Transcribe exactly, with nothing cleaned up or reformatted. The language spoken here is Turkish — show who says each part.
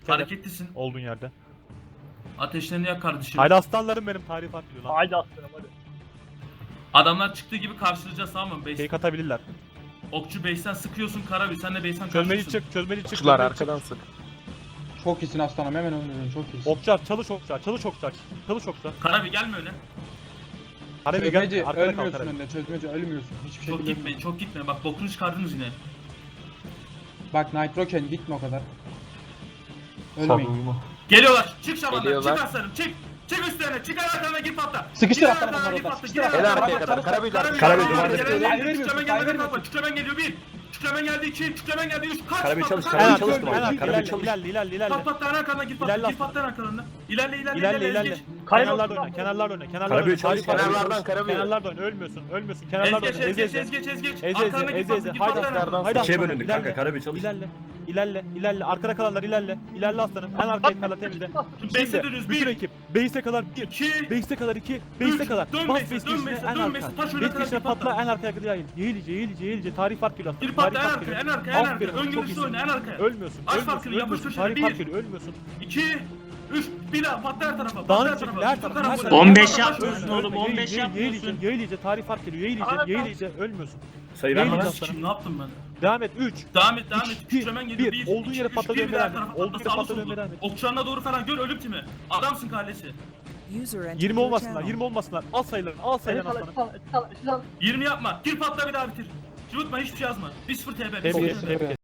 Speaker 1: Hareketlisin.
Speaker 2: Olduğun yerde.
Speaker 1: Ateşlerini yak kardeşim.
Speaker 2: Haydi aslanlarım benim, tarih atıyor lan.
Speaker 3: Haydi aslanım hadi.
Speaker 1: Adamlar çıktığı gibi karşılayacağız, tamam mı? Base.
Speaker 2: Fake atabilirler.
Speaker 1: Okçu base'ten sıkıyorsun, Karabi sen de base'ten
Speaker 2: Çözmeli
Speaker 1: karşılıyorsun.
Speaker 2: çık, çözmeli çık.
Speaker 4: Okçular
Speaker 2: çözmeli çık.
Speaker 4: arkadan sık.
Speaker 5: Çok iyisin aslanım, hemen öldürün, çok iyisin.
Speaker 2: Okçular, çalış okçular, çalış okçular. Çalış okçular.
Speaker 1: Karabi gelme öne.
Speaker 2: Karabi
Speaker 5: Çözmeci
Speaker 2: gel, arkada kal
Speaker 5: ölmüyorsun
Speaker 2: Karabi.
Speaker 5: önünde, çözmeci ölmüyorsun. Hiçbir şey
Speaker 1: Çok gitmeyin, çok gitmeyin. Bak bokunu çıkardınız yine.
Speaker 5: Bak Nitroken gitme o kadar. Ölmeyin.
Speaker 1: Geliyorlar. Çık şamanlar.
Speaker 4: Geliyorlar.
Speaker 1: Çık aslanım. Çık. Çık üstlerine. Çık arkalarına git patla.
Speaker 5: Sıkıştır
Speaker 1: Gir
Speaker 5: aslanım
Speaker 1: arkalarına,
Speaker 5: onları
Speaker 1: git
Speaker 5: da,
Speaker 1: patla,
Speaker 5: sıkıştır
Speaker 1: gir
Speaker 5: aslanım.
Speaker 4: El
Speaker 1: arkalarına.
Speaker 4: arkaya kadar. Karabi
Speaker 1: Karabi
Speaker 4: Karabi
Speaker 1: geldi,
Speaker 4: duvarda.
Speaker 1: geldi,
Speaker 5: Sayı
Speaker 1: geldi.
Speaker 5: vermiyorsun,
Speaker 1: Küçülemen
Speaker 5: sayı
Speaker 1: geldi,
Speaker 5: vermiyorsun.
Speaker 1: Küçülemen geliyor bir. Küçülemen geldi iki. Küçülemen geldi üç. Kaç
Speaker 6: Karabi
Speaker 1: patla,
Speaker 6: çalış,
Speaker 1: kaç
Speaker 6: Karabi
Speaker 1: patla.
Speaker 6: çalış.
Speaker 2: En
Speaker 6: Karabi
Speaker 2: arka, ilerle,
Speaker 6: çalış.
Speaker 2: ilerle, ilerle, ilerle.
Speaker 1: Pat patla en arkandan git patla.
Speaker 2: İlerle
Speaker 1: Git patla en arkalarına. İlerle ilerle
Speaker 2: İlerle,
Speaker 1: ilerle.
Speaker 2: ilerle.
Speaker 1: Geç.
Speaker 2: Kenarlarda oyna, kenarlarda oyna, kenarlarda
Speaker 6: Karabi
Speaker 2: oyna.
Speaker 6: çalış,
Speaker 2: Tarih
Speaker 4: kenarlardan
Speaker 2: atıyor.
Speaker 4: Karabi.
Speaker 2: Kenarlarda oyna, ölmüyorsun, ölmüyorsun.
Speaker 1: Ez
Speaker 2: Kenarlarda
Speaker 1: geç
Speaker 2: oyna,
Speaker 1: ez
Speaker 2: ez
Speaker 1: geç
Speaker 2: ez.
Speaker 1: ez geç ez geç.
Speaker 2: Ez ez,
Speaker 1: Arkalarına
Speaker 2: ez
Speaker 1: git
Speaker 2: ez.
Speaker 1: patla. Git
Speaker 2: Haydi
Speaker 1: patla en
Speaker 2: aslanlarım,
Speaker 1: arkalarına.
Speaker 2: haydi
Speaker 6: İkiye
Speaker 2: aslanlarım.
Speaker 6: bölündük kanka,
Speaker 2: İlerle,
Speaker 6: Karabi çalış.
Speaker 2: ilerle. İlerle, ilerle. Arkada kalanlar ilerle. İlerle aslanım. En arkaya kadar temizle.
Speaker 1: Base'e
Speaker 2: Şimdi
Speaker 1: dönüyoruz.
Speaker 2: bütün
Speaker 1: Bir.
Speaker 2: ekip. Base'e kadar bir.
Speaker 1: İki.
Speaker 2: Base'e kadar iki. Base'e
Speaker 1: Üç.
Speaker 2: kadar.
Speaker 1: Dön
Speaker 2: Bas
Speaker 1: base'e,
Speaker 2: base
Speaker 1: dön
Speaker 2: girişine
Speaker 1: base'e,
Speaker 2: en
Speaker 1: dön
Speaker 2: arka.
Speaker 1: base'e. Taş önüne
Speaker 2: Base
Speaker 1: kadar
Speaker 2: girişine
Speaker 1: bir patla.
Speaker 2: patla en arkaya kadar yayıl. Yeğilice, yeğilice, yeğilice. Tarih fark geliyor.
Speaker 1: Bir patla en
Speaker 2: Tarih fark
Speaker 1: arkaya, en
Speaker 2: geliyor.
Speaker 1: arkaya, en arkaya.
Speaker 2: Aferin,
Speaker 1: Ön
Speaker 2: çok
Speaker 1: görüşlü
Speaker 2: iyisin.
Speaker 1: oyna en arkaya.
Speaker 2: Ölmüyorsun.
Speaker 1: Aç
Speaker 2: ölmüyorsun,
Speaker 1: farkını, yapış
Speaker 2: ölmüyorsun.
Speaker 1: köşede.
Speaker 2: Tarih
Speaker 1: Bir.
Speaker 2: fark geliyor. Ölmüyorsun.
Speaker 1: iki. üç. Bir daha patla her tarafa. Patla
Speaker 2: Dağınık
Speaker 1: her
Speaker 2: şekilde
Speaker 1: tarafa.
Speaker 2: her tarafa. her
Speaker 1: Çık
Speaker 2: tarafa.
Speaker 1: on beş
Speaker 2: Ölme,
Speaker 1: yapmıyorsun
Speaker 2: ölme,
Speaker 1: oğlum,
Speaker 2: ölme.
Speaker 1: on beş
Speaker 2: Yeğil- yeğil-
Speaker 1: yapmıyorsun.
Speaker 2: Yeğilice, yeğilice. Tarih fark geliyor. Yeğilice, yeğilice. Ölmüyorsun.
Speaker 6: Sayı
Speaker 2: Neydi
Speaker 6: verme
Speaker 2: lan?
Speaker 6: lan.
Speaker 1: Kim ne yaptım ben?
Speaker 2: Devam et. üç.
Speaker 1: Devam et, devam et.
Speaker 2: İki,
Speaker 1: Küçülemen geliyor.
Speaker 2: bir.
Speaker 1: Bir.
Speaker 2: Olduğun
Speaker 1: iki,
Speaker 2: yere
Speaker 1: üç,
Speaker 2: patla
Speaker 1: bir,
Speaker 2: dönmeye
Speaker 1: bir, her
Speaker 2: devam et.
Speaker 1: tarafa
Speaker 2: Olduğun
Speaker 1: patla,
Speaker 2: yere
Speaker 1: sağlı
Speaker 2: patla
Speaker 1: sollu.
Speaker 2: dönmeye devam et.
Speaker 1: Okçularına doğru falan gör, ölüm timi. Adamsın kardeşi.
Speaker 2: yirmi olmasınlar, yirmi olmasınlar. Al sayılarını, al sayılarını aslanım.
Speaker 1: yirmi yapma. Gir patla bir daha bitir. Cıvıtma, hiçbir şey yazma. bir sıfır T B.
Speaker 2: Tebrik et, tebrik et.